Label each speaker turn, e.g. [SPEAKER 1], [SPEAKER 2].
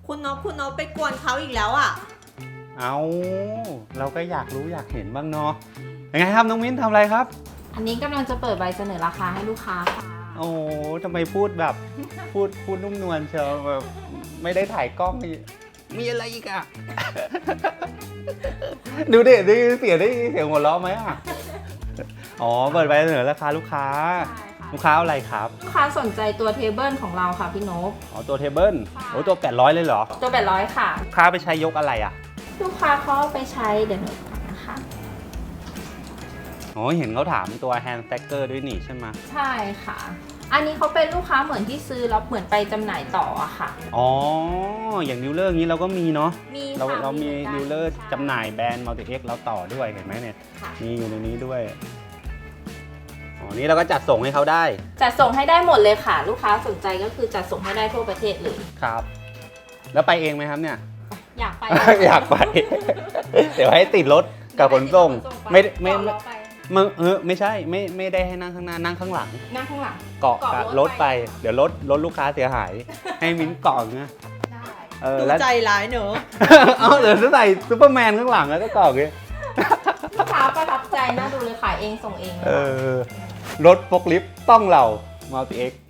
[SPEAKER 1] คุณนกไปกวนเขาอีกแล้วอ่ะ
[SPEAKER 2] เอาเราก็อยากรู้อยากเห็นบ้างเนาะยังไงครับน้องมิ้นทำอะไรครับ
[SPEAKER 3] อันนี้กำลังจะเปิดใบเสนอราคาให้ลูกค้าค่ะ
[SPEAKER 2] โอ้ทำไมพูดแบบพูดนุ่มนวลเชียวแบบไม่ได้ถ่ายกล้องมีอะไรอีกอะ ดูดิได้ยินเสียงหัวเราะไหมอะอ๋อเปิดใบเสนอราคาลูกค้า
[SPEAKER 3] ใช่ค่ะ
[SPEAKER 2] ลูกค้าเอาอะไรครับ
[SPEAKER 3] ลูกค้าสนใจตัวเทเบิลของเราค่ะพี่นก
[SPEAKER 2] อ๋อตัวเทเบิล
[SPEAKER 3] ค่ะ
[SPEAKER 2] โอ้ตัว800เลยเหรอ
[SPEAKER 3] ตัว800ค่ะ
[SPEAKER 2] ลูกค้าไปใช้ยกอะไรอะ
[SPEAKER 3] ลูกค้าเขาเอาไปใช้เดี๋ยวหนูก่อนนะคะ
[SPEAKER 2] อ๋อเห็นเขาถามตัว hand stacker ด้วยนี่ใช่ไหม
[SPEAKER 3] ใช่ค่ะ อันนี้เขาเป็นลูกค้าเหมือนที่ซื้อแล้วเหมือนไปจำหน่ายต่ออะค่ะ
[SPEAKER 2] อ๋ออย่างดิวเลอร์นี้เราก็มีเนาะ
[SPEAKER 3] มี
[SPEAKER 2] เรา
[SPEAKER 3] ค่ะ
[SPEAKER 2] เรามี
[SPEAKER 3] หอนกัน
[SPEAKER 2] ดีลเลอร์
[SPEAKER 3] ใช่
[SPEAKER 2] จำหน่ายแบรนด์ Multi X เราต่อด้วยเห็นไหมเนี่ย
[SPEAKER 3] ค่ะ
[SPEAKER 2] มีอยู่ในนี้ด้วย อ๋อ นี่เราก็จัดส่งให้เขาได้
[SPEAKER 3] จัดส่งให้ได้หมดเลยค่ะ ลูกค้าสนใจก็คือจัดส่งให้ได้ทั่วประเทศเลย
[SPEAKER 2] ครับ แล้วไปเองไหมครับเนี่ย
[SPEAKER 3] อยากไป
[SPEAKER 2] อยากไป เดี๋ยวให้ติดรถกับขนส่ง ไม่ไม่
[SPEAKER 3] เกาะล้อไป
[SPEAKER 2] ไม่ใช่ไม่ได้ให้นั่งข้างหน้านั่งข้างหลัง
[SPEAKER 3] นั่งข้างหลัง
[SPEAKER 2] เกาะกับ
[SPEAKER 3] เกาะ
[SPEAKER 2] ร
[SPEAKER 3] ร
[SPEAKER 2] ถ
[SPEAKER 3] ถ
[SPEAKER 2] ไป
[SPEAKER 3] ไป
[SPEAKER 2] เดี๋ยวรถลูกค้าเสียหาย ให้มิ้นเกาะเงี้ย
[SPEAKER 3] ได้
[SPEAKER 1] ดู
[SPEAKER 2] แล้ว
[SPEAKER 1] ใจร้ายเนอะ
[SPEAKER 2] เอาเดี๋ยวจะใส่ซูเปอร์แมนข้างหลังแล้วก็เกาะเงี้ย
[SPEAKER 3] ลูกค้าประทับใจน่าดูเลยขายเองส่งเองเลย
[SPEAKER 2] เอ
[SPEAKER 3] ค่ะ
[SPEAKER 2] อรถฟกลิฟต์ต้องเรา Multi X